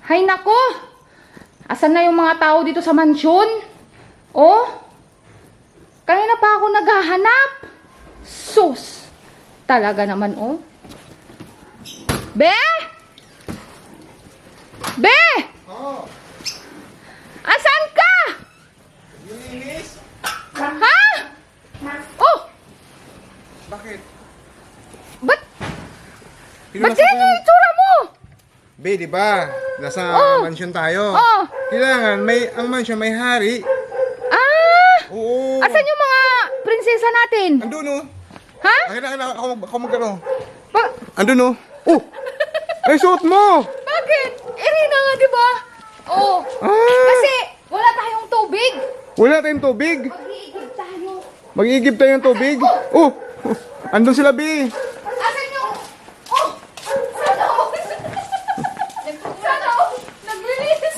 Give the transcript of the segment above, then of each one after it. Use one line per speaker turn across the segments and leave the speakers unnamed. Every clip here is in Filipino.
Hay nako! Asan na yung mga tao dito sa mansyon? Oh? Kanina pa ako naghahanap. Sus! Talaga naman, oh. Be! Be!
Oo.
Asan ka?
Linis?
Ha? Oh!
Bakit?
Ba't ganyan yung itsura mo?
Be, di ba? Nasa
Oh.
mansion tayo.
Oh.
Kailangan, ang mansion may hari.
Ah!
Oo.
Asan yung mga prinsesa natin?
Andun, oh.
Ha?
Kailangan ako magkano.
Ba-
Andun, oh. Oh! Ay, suot mo!
Bakit? Irina nga, di ba? Oo.
Ah!
Kasi wala tayong tubig.
Wala tayong tubig.
Mag-iigib tayo.
Mag-iigib tayo ng tubig. Oh! Andun sila, Be.
Asan yung... Oh! Sana all! Sana all! Naglinis!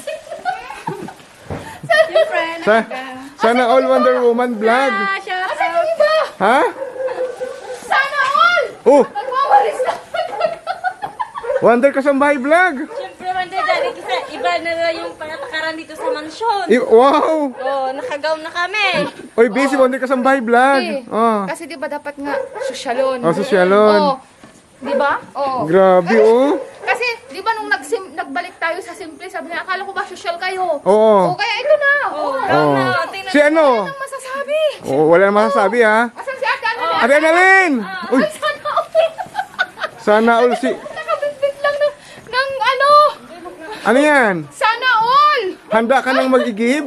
Sana all Wonder Woman vlog.
Asan yung iba?
Ha?
Sana all!
Oh!
Nagwawalis na.
Wonder Kasambahay vlog.
Siyempre, Wonder Daddy, kasi iba na lang yung panatakaran dito sa mansyon.
Wow!
Oh, nakagaw na kami.
Oy, busy Wonder Kasambahay vlog.
Eh,
Oh.
Kasi di ba dapat nga sosyalon?
Oh, sosyalon.
Oh. Di ba? Oh.
Grabe, oh.
Kasi, di ba nung nagbalik tayo sa simple, sabi niya, akala ko ba social kayo?
Oo.
Oh, kaya ito na. Oh.
Oh.
Tingnan
Si ano?
Anong masasabi?
Oh, wala na masasabi, ha?
Asan si Ate Annalyn?
Ate Annalyn! Uy,
Ay, sana all.
sana all si...
Nakabitbit lang ng ano?
Ano yan?
Sana all.
Handa ka nang mag-igib?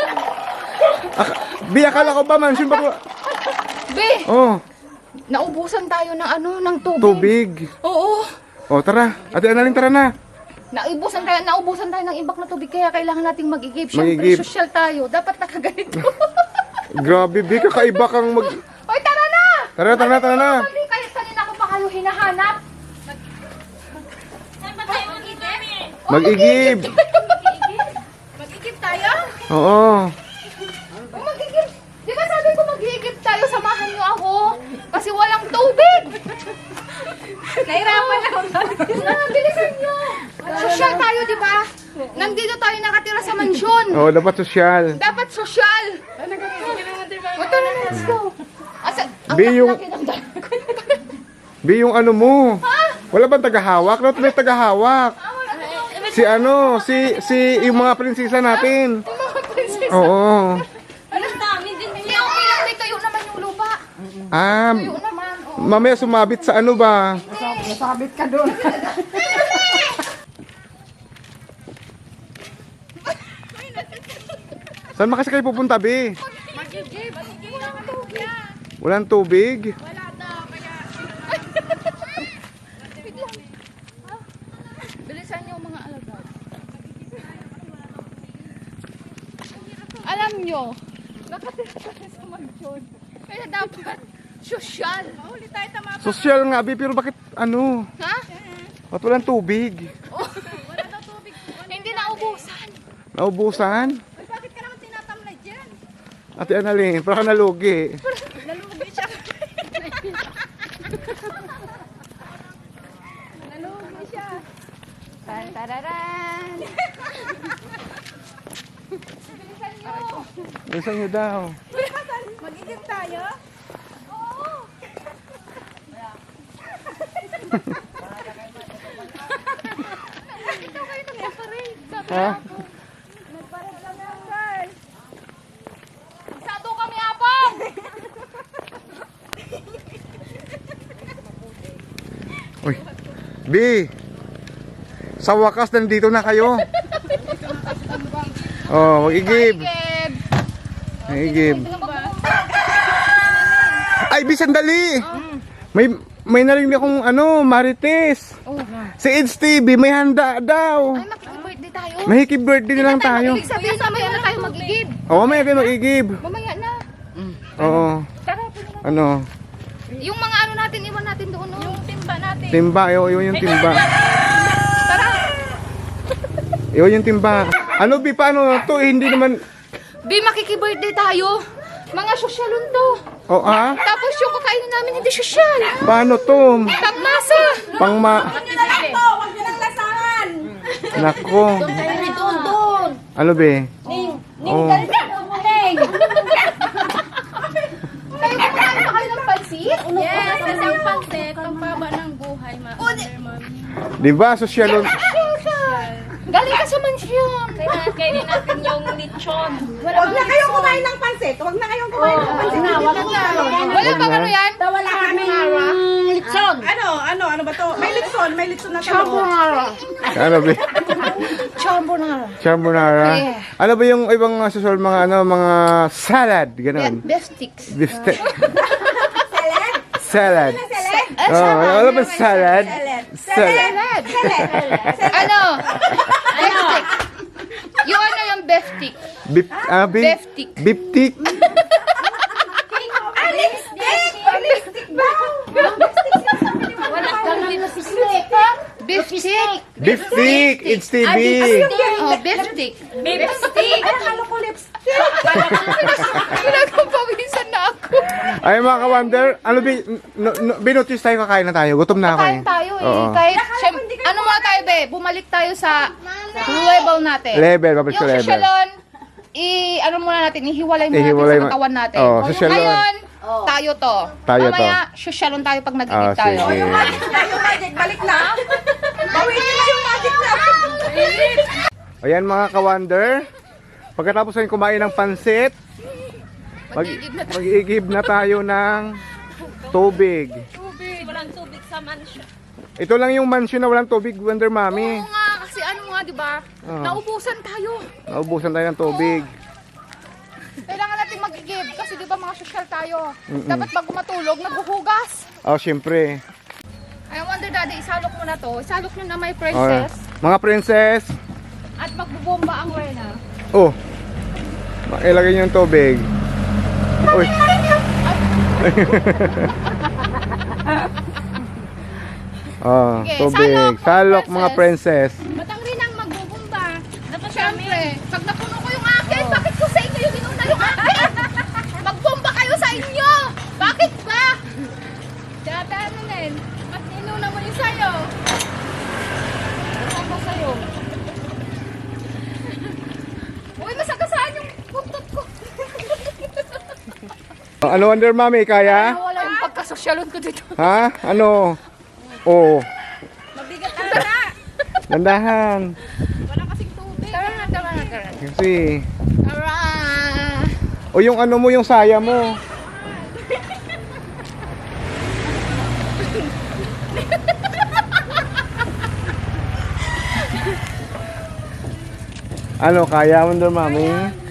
Bi, akala ko ba mansion ba?
Be,
Oh,
naubusan tayo ng ano, ng tubig.
tubig.
Oo.
Oh, tara. Ate Annalyn, tara na.
Naubusan tayo ng ibak na tubig, kaya kailangan nating mag-igib. Siyempre,
Mag-igib.
social tayo. Dapat nakaganito.
Grabe, Bi, kakaiba kang mag...
Hoy, tara na!
Tara na.
Hindi kayo, kanina ko pa kayo hinahanap.
Saan ba tayo mag-igib?
Mag-igib.
Mag-igib tayo?
Oo.
Oh, mag-igib. Di ba sabi ko mag-igib tayo, samahan niyo ako. Kasi walang tubig.
Nahirapan ako.
Bilisan niyo. Social tayo, di ba? Nandito tayo nakatira sa mansyon.
Oh, dapat sosyal.
Dapat social. O, tara na, let's go. Asa, ang
Be, yung-
laki ng dala ko.
Bi, yung ano mo. Wala bang tagahawak? Dapat may tagahawak. Si ano, si yung mga prinsesa natin.
Mga prinsesa.
Oo.
Ang dami din.
Hindi, okay lang. May tuyo naman yung lupa.
Ah,
Tuyo naman. Oh.
mamaya sumabit sa ano ba?
Sabit ka doon.
Saan ba kasi kayo pupunta, Bi?
Mag-igib. Walang tubig.
Walang tubig?
Wala daw, kaya... Wait lang. Ha? Bilisan niyo mga alagad. Alam niyo, nakatira tayo sa mansyon. Kaya dapat social. Mahuli tayo tama.
Sosyal nga, Bi, pero bakit ano?
Ha?
Ba't walang tubig?
Wala daw tubig. Hindi naubusan.
Naubusan?
Ay, bakit ka naman tinatamlay dyan?
Ate Annalyn, para ka nalugi.
Nalugi siya. Nalugi siya. Tantararan. Bilisan niyo.
Bilisan nyo daw.
Mag-igib tayo? Oo. Ikaw kayo nag-parade. Sabi
Ha?
ako. Nag-parade lang yan, guys. Magsado kami, apang!
Uy, Bi, sa wakas nandito na kayo. Oh, mag-igib.
Igib!
Mag-igib. Ay, Bi, sandali. May narinig akong ano, Marites.
Oh.
Si It's TV, may handa daw.
Ay, makikibirthday tayo.
Mahiki birthday na lang tayo.
Ibig sabihin, mamaya na tayo mag-igib.
Oo, may agad mag-igib.
Mamaya na.
Oo,
Tara, puno na.
ano,
Yung mga ano natin, iwan natin doon. No? Yung timba natin.
timba, yun yung timba.
Tara.
Yun yung timba. Ano, Bi, paano to? Hindi naman,
Bi, makikibirthday tayo. Mga sosyalon to.
oh, ah?
Tapos yung kakainin namin hindi sosyal.
Paano to?
Tapmasa.
Pangma,
Huwag nyo na lang to! Huwag nyo lang lasahan!
Nako.
Doon.
Ano be?
Ning,
Oh.
galit mo, Ning.
Kayo kumain pa kayo ng pansit?
Yes, kasi ang pansit, ang baba ng buhay, Wonder Mommy.
Di ba, sosyalon?
Galing ka sa mansyon.
Kaya kainin natin yung lechon.
Huwag na kayong kumain ng pansit. Huwag na kayong kumain ng pansit.
Wala bang ano yan?
Wala kaming
Lechon.
Ano ba to? May litson na talo.
Ano be? Carbonara.
Yeah.
Ano ba yung ibang susol mga mga salad, ganun?
Beef sticks.
Beef stick. Salad. Oh, ano ba salad? Salad.
Ano? Beef stick. Yung ano yung beef stick?
Beef, beef,
Beef stick.
beef stick.
Wala kang lipstick.
Beef stick.
Beef stick. It's TV.
Oh, beef stick.
Lipstick.
Halo ko lipstick.
Pinagpapawisan na ako.
Ay mga ka-wonder, ano binotis tayo kakain na tayo. Gutom na ako
Kain tayo eh.
Oo.
Kahit, ano muna tayo be? Bumalik tayo sa level natin.
Level, babalik sa
Yung
level.
sosyalon, ano muna natin, ihiwalay muna
Ihiwalay
natin
mo-
sa katawan natin.
Oo, sosyalon.
Ngayon, tayo to.
Tayo to.
Mamaya, sosyalon tayo pag nagiging tayo.
Sige.
Yung magic, balik na. Bawiin mo yung magic na.
Ayan mga ka-wonder, pagkatapos natin kumain ng pansit, mag-iigib na tayo ng tubig.
Walang tubig sa mansion.
Ito lang yung mansion na walang tubig, Wonder Mommy.
Oo nga, kasi ano nga, di ba? Naubusan tayo.
Naubusan tayo ng tubig.
Kailangan natin mag-igib kasi di ba mga sosyal tayo. Dapat bago matulog, naghuhugas.
Oh, syempre.
I wonder daddy, isalok mo na to. Isalok nyo na may
Oh,
princess.
mga princess,
At magbubomba ang Rena.
oh, ilagay niyo yung tubig. Uy. Oh,
Sige,
tubig.
salok,
Salok mga princess.
Batang rin ang magbubomba.
Dapat
Siyempre, pag napuno ko yung akin, bakit ko sa inyo yung inuna yung akin? Magbomba kayo sa inyo! Bakit ba? Dada ano nen? Mas inuna mo yung sa'yo. Bomba sa'yo. Uy, masagasaan yung buntot ko.
Ano, Wonder Mommy, kaya?
Wala yung pagkasosyalon ko dito.
Ha? Ano? Oh,
Mabigat ka na.
dandahan.
Wala kasing tubig. Tara na.
Kasi,
Tara.
o yung ano mo, yung saya mo. Ano, kaya Wonder Mommy?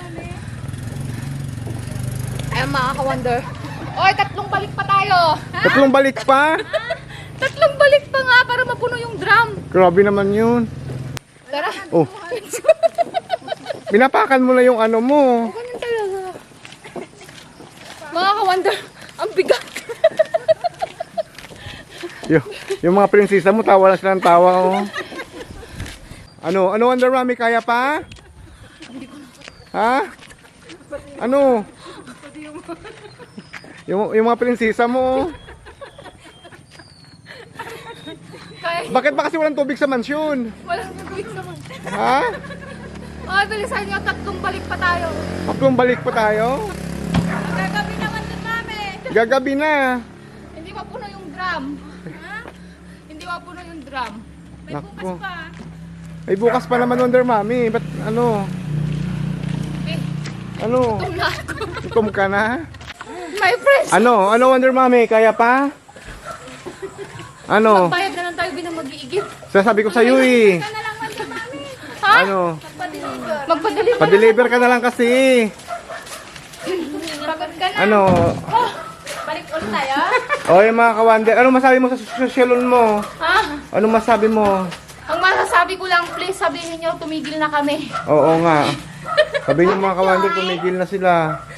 Ay, mga ka-wonder. Oy, tatlong balik pa tayo.
Tatlong balik pa?
Tatlong balik pa nga para mapuno yung drum.
Grabe naman yun.
Tara.
Oh, pinapakan mo na yung ano mo.
Ganun talaga. Mga ka-wonder, ang bigat.
Yung mga prinsesa mo, tawa lang sila ng tawa. Oh. Ano, Wonder Mommy, kaya pa? Ha? Ano? Yung mga prinsesa mo.
Kaya,
Bakit ba kasi walang tubig sa mansyon?
walang tubig sa mga.
Ha?
Ay, bilisan nyo, tatlong balik pa tayo.
Tatlong balik pa tayo?
Gagabi naman din namin.
Gagabi na.
Hindi mapuno yung drum. Ha? Hindi mapuno yung drum.
Nako. Ay, bukas pa naman Wonder Mommy. Ba't ano?
Eh,
Ano?
tum na ako.
Gutom ka na?
My friends.
Ano Wonder Mommy? Kaya pa? Ano?
Bayad na lang tayo binang mag-iigib.
Sasabi ko sa'yo eh.
Na lang man mami. Ha?
Ano?
Magpadeliver.
Pa-deliver ka na lang kasi.
Pagod ka na.
Ano?
Balik ulit tayo.
O yung mga kawander, ano masabi mo sa sosyalon mo?
Ha?
Ano masabi mo?
Ang masasabi ko lang, please sabihin niyo tumigil na kami.
Oo nga. Sabi niyo mga kawander, tumigil na sila.